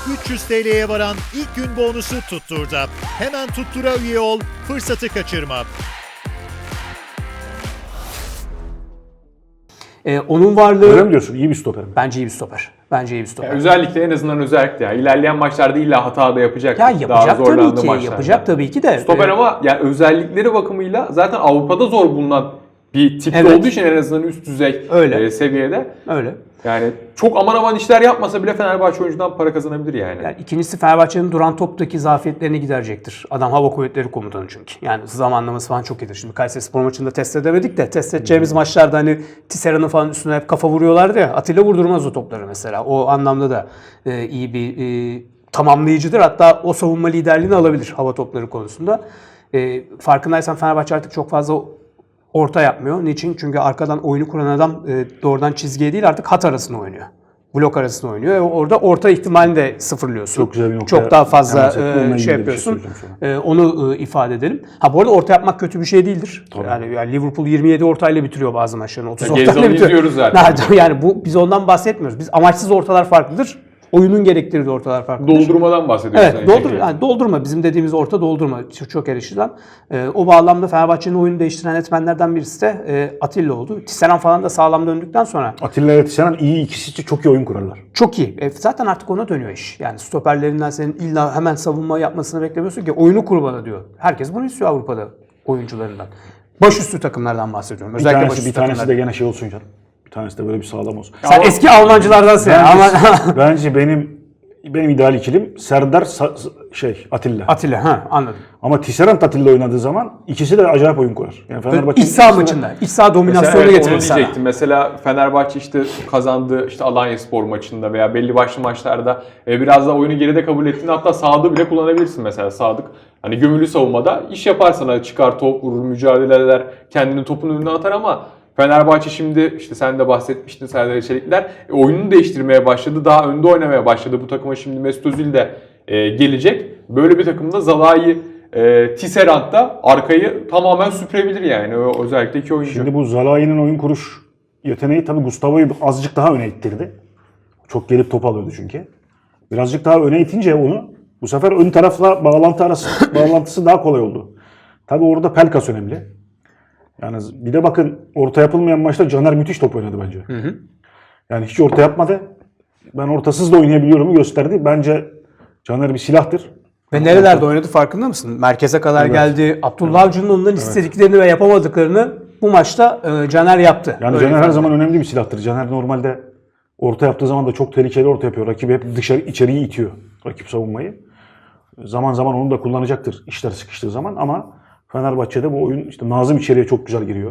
300 TL'ye varan ilk gün bonusu Tuttur'da. Hemen Tuttur'a üye ol, fırsatı kaçırma. Onun varlığı... Öyle mi diyorsun? İyi bir stoper mi? Bence iyi bir stoper. Bence iyi bir stoper. Özellikle en azından özellikle ya. İlerleyen maçlarda illa hata da yapacak. Ya yapacak tabii ki. Yapacak tabii ki de. Stoper ama yani özellikleri bakımıyla zaten Avrupa'da zor bulunan bir tipte Evet. olduğu için en azından üst düzey seviyede. Öyle. Yani çok aman aman işler yapmasa bile Fenerbahçe oyuncudan para kazanabilir yani. Yani ikincisi Fenerbahçe'nin duran toptaki zafiyetlerini giderecektir. Adam hava kuvvetleri komutanı çünkü. Yani zamanlaması falan çok iyidir. Şimdi Kayserispor maçında test edemedik de test edeceğimiz maçlarda hani Tisserand'ın falan üstüne hep kafa vuruyorlardı ya. Atilla vurdurmaz o topları mesela. O anlamda da iyi bir tamamlayıcıdır. Hatta o savunma liderliğini alabilir hava topları konusunda. Farkındaysan Fenerbahçe artık çok fazla orta yapmıyor. Niçin? Çünkü arkadan oyunu kuran adam doğrudan çizgiye değil artık hat arasına oynuyor. Blok arasında oynuyor. Orada orta ihtimalini de sıfırlıyorsun. Çok güzel bir nokta. Çok daha fazla Hemen şey yapıyorsun. Onu ifade edelim. Bu arada orta yapmak kötü bir şey değildir. Yani Liverpool 27 ortayla bitiriyor bazı maçlarını. 30 ortayla bitiriyor. izliyoruz zaten. Yani biz ondan bahsetmiyoruz. Biz amaçsız ortalar farklıdır. Oyunun gerektirdiği ortalar farklıdır. Doldurmadan bahsediyoruz. Evet, doldurma. Bizim dediğimiz orta doldurma. Çok eleştirilen. O bağlamda Fenerbahçe'nin oyunu değiştiren etmenlerden birisi de Atilla oldu. Tisserand falan da sağlam döndükten sonra. Atilla ile Tisserand ikisi çok iyi oyun kurarlar. Çok iyi. Zaten artık ona dönüyor iş. Yani stoperlerinden senin illa hemen savunma yapmasını beklemiyorsun ki oyunu kur bana diyor. Herkes bunu istiyor Avrupa'da oyuncularından. Başüstü takımlardan bahsediyorum. Özellikle Bir tanesi de gene şey olsun canım. Bir tanesi de böyle bir sağlam olsun. Sen eski Almancılardansın yani. Bence benim ideal ikilim Serdar Atilla. Atilla anladım. Ama Tisserand Atilla oynadığı zaman ikisi de acayip oyun kurar. Yani İç saha maçında. İç saha dominasyonu getirir sana. Diyecektim. Mesela Fenerbahçe işte kazandığı Alanyaspor maçında veya belli başlı maçlarda biraz da oyunu geride kabul ettiğinde hatta Sadık'ı bile kullanabilirsin mesela Sadık. Hani gömülü savunmada iş yapar sana çıkar top vurur mücadele eder kendini topun önüne atar ama Fenerbahçe şimdi işte sen de bahsetmiştin Serdar Çelikler oyununu değiştirmeye başladı. Daha önde oynamaya başladı. Bu takıma şimdi Mesut Özil de gelecek. Böyle bir takımda Zalai, Tisserand da arkayı tamamen süpürebilir yani. Özellikle iki oyuncu. Şimdi bu Zalai'nin oyun kuruş yeteneği tabii Gustavo'yu azıcık daha öne ittirdi. Çok gelip top alıyordu çünkü. Birazcık daha öne itince onu bu sefer ön tarafla bağlantısı daha kolay oldu. Tabii orada Pelkas önemli. Yani bir de bakın orta yapılmayan maçta Caner müthiş top oynadı bence. Yani hiç orta yapmadı. Ben ortasız da oynayabiliyorumu gösterdi. Bence Caner bir silahtır. Ve nerelerde oynadı farkında mısın? Merkeze kadar geldi. Abdullah Avcı'nın ondan istediklerini ve yapamadıklarını bu maçta Caner yaptı. Yani Caner her zaman önemli bir silahtır. Caner normalde orta yaptığı zaman da çok tehlikeli orta yapıyor. Rakibi hep içeriye itiyor. Rakip savunmayı. Zaman zaman onu da kullanacaktır işler sıkıştığı zaman ama Fenerbahçe'de bu oyun işte Nazım içeriye çok güzel giriyor.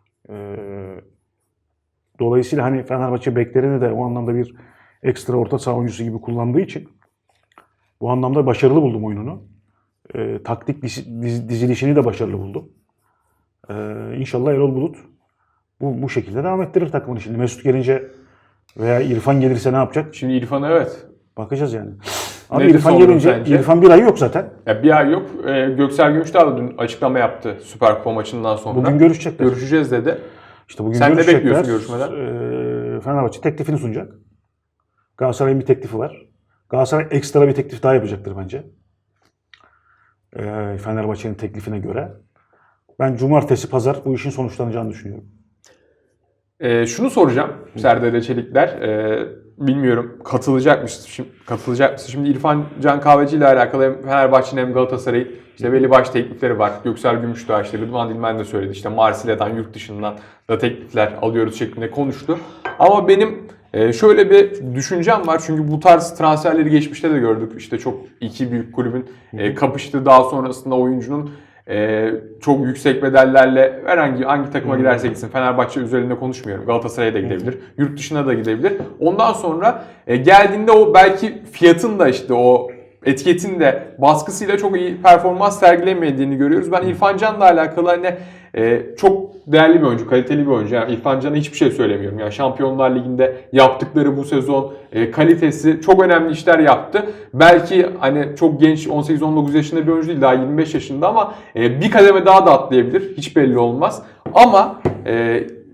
Dolayısıyla hani Fenerbahçe beklerini de o anlamda bir ekstra orta saha oyuncusu gibi kullandığı için bu anlamda başarılı buldum oyununu. Taktik dizilişini de başarılı buldum. İnşallah Erol Bulut bu şekilde devam ettirir takımını. Şimdi Mesut gelince veya İrfan gelirse ne yapacak? Şimdi İrfan evet. Bakacağız yani. Abi İrfan gelince, İrfan bir ay yok zaten. Ya bir ay yok. Göksel Gümüşdağ da dün açıklama yaptı Süper Kupa maçından sonra. Bugün görüşecekler. Görüşeceğiz dedi. İşte bugün sen ne görüşecekler. bekliyorsun görüşmeden? Fenerbahçe teklifini sunacak. Galatasaray'ın bir teklifi var. Galatasaray ekstra bir teklif daha yapacaktır bence. Fenerbahçe'nin teklifine göre. Ben cumartesi, pazar bu işin sonuçlanacağını düşünüyorum. Şunu soracağım Serdar Çelikler. Bilmiyorum katılacak mısın? Şimdi İrfan Can Kahveci ile alakalı hem Fenerbahçe'nin hem Galatasaray'ın işte belli başlı teklifleri var. Göksel Gümüşdağ işte Rıdvan Dilmen de söyledi. İşte Marsilya'dan yurt dışından da teklifler alıyoruz şeklinde konuştu. Ama benim şöyle bir düşüncem var. Çünkü bu tarz transferleri geçmişte de gördük. İşte çok iki büyük kulübün kapıştığı daha sonrasında oyuncunun çok yüksek bedellerle hangi takıma giderse gitsin Fenerbahçe üzerinde konuşmuyorum. Galatasaray'a da gidebilir. Yurt dışına da gidebilir. Ondan sonra geldiğinde o belki fiyatın da işte o etiketin de baskısıyla çok iyi performans sergilemediğini görüyoruz. Ben İrfan Can'la alakalı hani çok değerli bir oyuncu, kaliteli bir oyuncu. Yani İrfan Can'a hiçbir şey söylemiyorum. Yani Şampiyonlar Ligi'nde yaptıkları bu sezon kalitesi çok önemli işler yaptı. Belki hani çok genç 18-19 yaşında bir oyuncu değil daha 25 yaşında ama bir kademe daha da atlayabilir. Hiç belli olmaz. Ama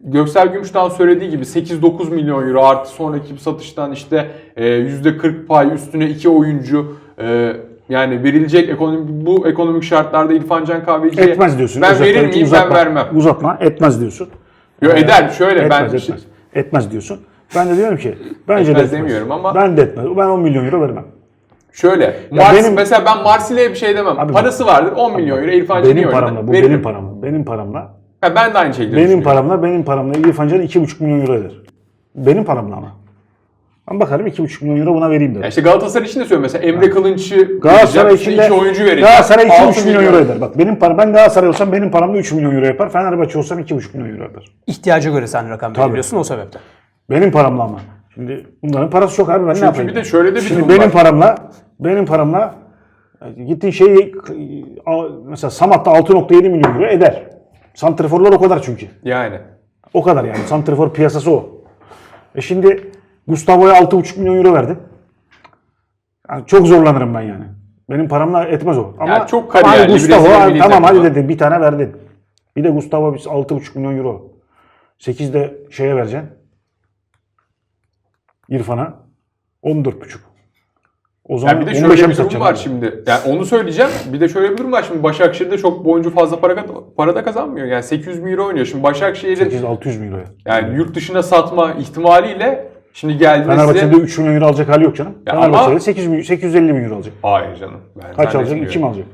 Göksel Gümüş'ten söylediği gibi 8-9 milyon euro artı sonraki satıştan işte %40 pay üstüne 2 oyuncu yani verilecek bu ekonomik şartlarda İrfan Can Kahveci'ye Etmez diyorsun. ben Özellikle verir miyim uzatma, ben vermem. Etmez diyorsun. Yo, eder şöyle Etmez, ben etmez diyorsun. Ben de diyorum ki bence Etmez de etmez. demiyorum ama- Ben de etmez. Ben 10 milyon euro vermem. şöyle mesela ben Marsilya'ya bir şey demem. Abi Parası vardır 10 milyon euro İrfan Can'ı benim paramla, bu veririm. benim paramla. Benim paramla. Ha, ben de aynı şekilde düşünüyorum. Benim paramla İrfan Can 2,5 milyon euro eder. Benim paramla ama. Ben bakarım 2,5 milyon euro buna vereyim derim. Ya işte Galatasaray için de söylüyorum mesela Emre Kılınç'ı Galatasaray vereceğim, için de 2 oyuncu vereceğim. Galatasaray 2,5 6 milyon euro eder. Bak benim param, ben Galatasaray olsam benim paramda 3 milyon euro yapar. Fenerbahçe olsam 2,5 milyon euro yapar. İhtiyaca göre sen rakam belirliyorsun o sebepten. Benim paramla ama. Şimdi bunların parası çok abi, ben ne yapayım? bir de şöyle de bir Şimdi durum benim paramla gittiğin şeyi mesela Samat'ta 6,7 milyon euro eder. Santriforlar o kadar çünkü. Yani. O kadar yani. Santrifor piyasası o. Şimdi Gustavo'ya 6,5 milyon euro verdim. Yani çok zorlanırım ben yani. Benim paramla etmez o. Ama çok ama kariyerli, Gustavo Brezilya milli tamam hadi takımı. dedim bir tane verdin. Bir de Gustavo 6,5 milyon euro. 8 de şeye vereceksin. İrfan'a 14,5. O zaman Ya bir de 15'e şöyle mi bir durum satacağım var abi? şimdi. Yani onu söyleyeceğim. Bir de şöyle bir durum var şimdi. Başakşehir'de çok bu oyuncu fazla para da kazanmıyor. Yani 800 bin euro oynuyor. Şimdi Başakşehir'in 800-600 milyon euroya. yani yurt dışına satma ihtimaliyle şimdi geldiğinde Fenerbahçe'de 3 milyon euro alacak hali yok canım. Ya Fenerbahçe'de ama- 850 milyon euro alacak. Hayır canım. Ben Kaç alacak? zannetmiyorum. 2 mi alacak?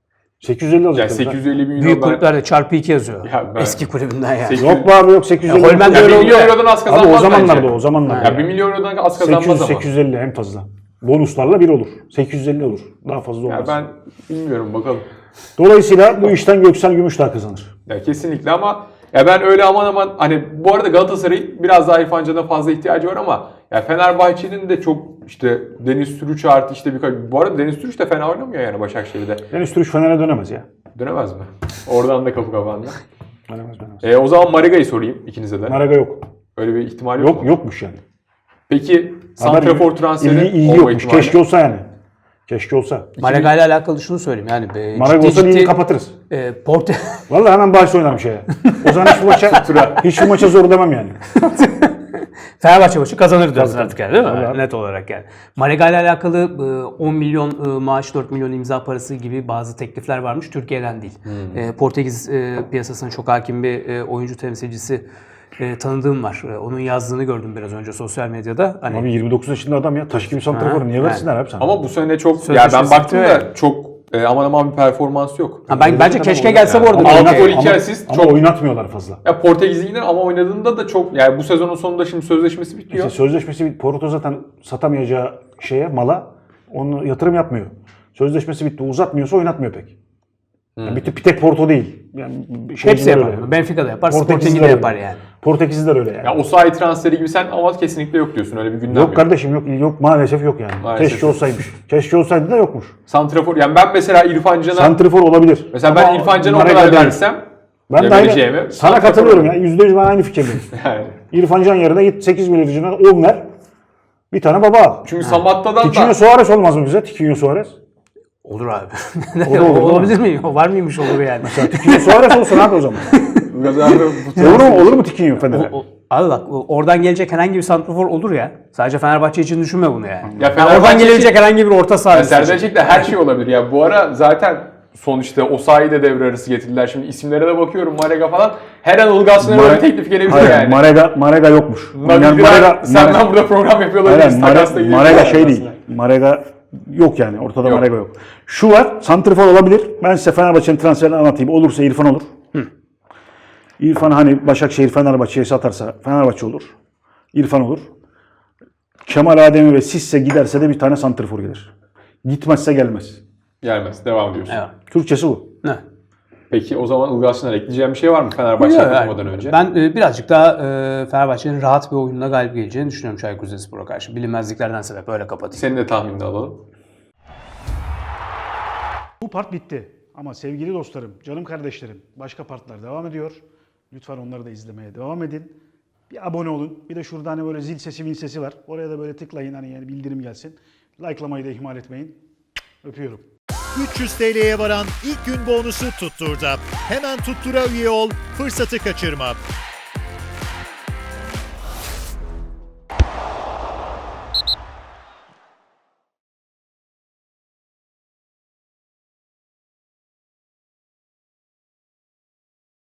850 alacak. Yani tabii. 850 bin euro Büyük ben... kulüplerde çarpı 2 yazıyor. Ya ben- Eski kulübünden yani. Yok be abi yok 850. Ya Holmen'de Ya öyle 1 oldu milyon ya. eurodan az Abi kazanmaz o zamanlarda bence. o zamanlarda. Ya 1 milyon eurodan az kazanmaz 800 ama. 850 en fazla. Bonuslarla 1 olur. 850 olur. Daha fazla Ya olmaz. ben bilmiyorum bakalım. Dolayısıyla bu işten Göksel Gümüşdağ kazanır. Ya kesinlikle ama ya ben öyle aman hani bu arada Galatasaray'ın biraz daha İrfan Can'a fazla ihtiyacı var ama ya Fenerbahçe'nin de çok işte Deniz Türüç artı işte birkaç... Bu arada Deniz Türüç de fena oynamıyor yani Başakşehir'de. Deniz Türüç Fener'e dönemez ya. Dönemez mi? Oradan da kapı kapandı. Dönemez. O zaman Mariga'yı sorayım ikinize de. Maraga yok. Öyle bir ihtimal yok mu? Yokmuş yani. Peki santrafor transferi ilgi olma yokmuş. ihtimali? Keşke olsa yani. Keşke olsa. Malaga ile alakalı şunu söyleyeyim yani. Maraga olsa ligi kapatırız. Porte Vallahi hemen bahis oynarım şeye. O zaman hiçbir maça zor demem yani. Fenerbahçe maçı kazanır diyorsun artık yani değil mi? Tabii. Net olarak yani. Malaga ile alakalı 10 milyon maaş, 4 milyon imza parası gibi bazı teklifler varmış. Türkiye'den değil. Portekiz piyasasına çok hakim bir oyuncu temsilcisi tanıdığım var. Onun yazdığını gördüm biraz önce sosyal medyada. Hani Abi 29 yaşında adam ya. Taş gibi santrafor. Niye versinler abi sana? Ama bu sene çok... Ya Sözleşmesi ben baktım bitiyor da çok aman aman bir performans yok. bence keşke gelse bu arada. Ama Ama altı gol, 2 asist ama çok... oynatmıyorlar fazla. Ya Portekiz'e gider ama oynadığında da çok... Yani bu sezonun sonunda şimdi sözleşmesi bitiyor. İşte sözleşmesi Porto zaten satamayacağı mala onu yatırım yapmıyor. Sözleşmesi bitti. Uzatmıyorsa oynatmıyor pek. Yani bir tek Porto değil. Yani hepsi yapar. Benfica'da yapar, Sporting'de öyle. yapar yani. Portekizliler öyle yani. Ya Osayi transferi gibi sen ama kesinlikle yok diyorsun. Öyle bir gündem Yok kardeşim yok maalesef yok yani. Maalesef Keşke yok. olsaymış. Keşke olsaydı da yokmuş. Santrafor yani ben mesela İrfan Can'a Santrifor olabilir. mesela ben Ama İrfan Can'a o Marega kadar değil. versem Ben de vereceğimi, aynı, sana santrafor katılıyorum olur. ya. %100 ben aynı fikirdeyim. Yani. İrfan Can yerine git 8 milyarcına 10 ver. Bir tane baba al. Çünkü Samatta'dan Tiquinho da Suarez olmaz mı bize? Tiquinho Suarez. Olur abi. O da olur, Olabilir mi? Var mıymış olur yani. Tiquinho Suarez olsun abi o zaman. biraz abi Olur mu Tiquinho Fener'e? Abi bak oradan gelecek herhangi bir santrafor olur ya. Sadece Fenerbahçe için düşünme bunu yani. Ya Yani oradan gelebilecek herhangi bir orta saha. Serdar Çelik'te her şey olabilir ya. Bu ara zaten sonuçta Osayi de devre arası getirdiler. Şimdi isimlere de bakıyorum Marega falan. Her an Ilgaz Sınır'a bir teklif gelebilir Hayır, yani. Marega yokmuş. Senden burada program yapıyorlar. Aynen, biz takasla gidiyoruz. Marega şey değil. Marega yok yani. Ortada Yok. Marega yok. Şu var. Santrifor olabilir. Ben size Fenerbahçe'nin transferini anlatayım. Olursa İrfan olur. İrfan hani Başakşehir Fenerbahçe'ye satarsa Fenerbahçe olur. İrfan olur. Kemal Ademi ve Sisse giderse de bir tane santrifor gelir. Gitmezse gelmez. Gelmez. Devam diyorsun. Evet. Türkçesi bu. Ne? Peki o zaman Ilgaz Sınır'a ekleyeceğim bir şey var mı Fenerbahçe'ye Yok, katılmadan önce? Ben birazcık daha Fenerbahçe'nin rahat bir oyunla galip geleceğini düşünüyorum Çaykur Rizespor'a karşı. Bilinmezliklerden sebep öyle kapatayım. Senin de tahminini alalım. Bu part bitti. Ama sevgili dostlarım, canım kardeşlerim, başka partlar devam ediyor. Lütfen onları da izlemeye devam edin. Bir abone olun. Bir de şurada hani böyle zil sesi, min sesi var. Oraya da böyle tıklayın hani yani bildirim gelsin. Like'lamayı da ihmal etmeyin. Öpüyorum. 300 TL'ye varan ilk gün bonusu Tuttur'da. Hemen Tuttur'a üye ol, fırsatı kaçırma.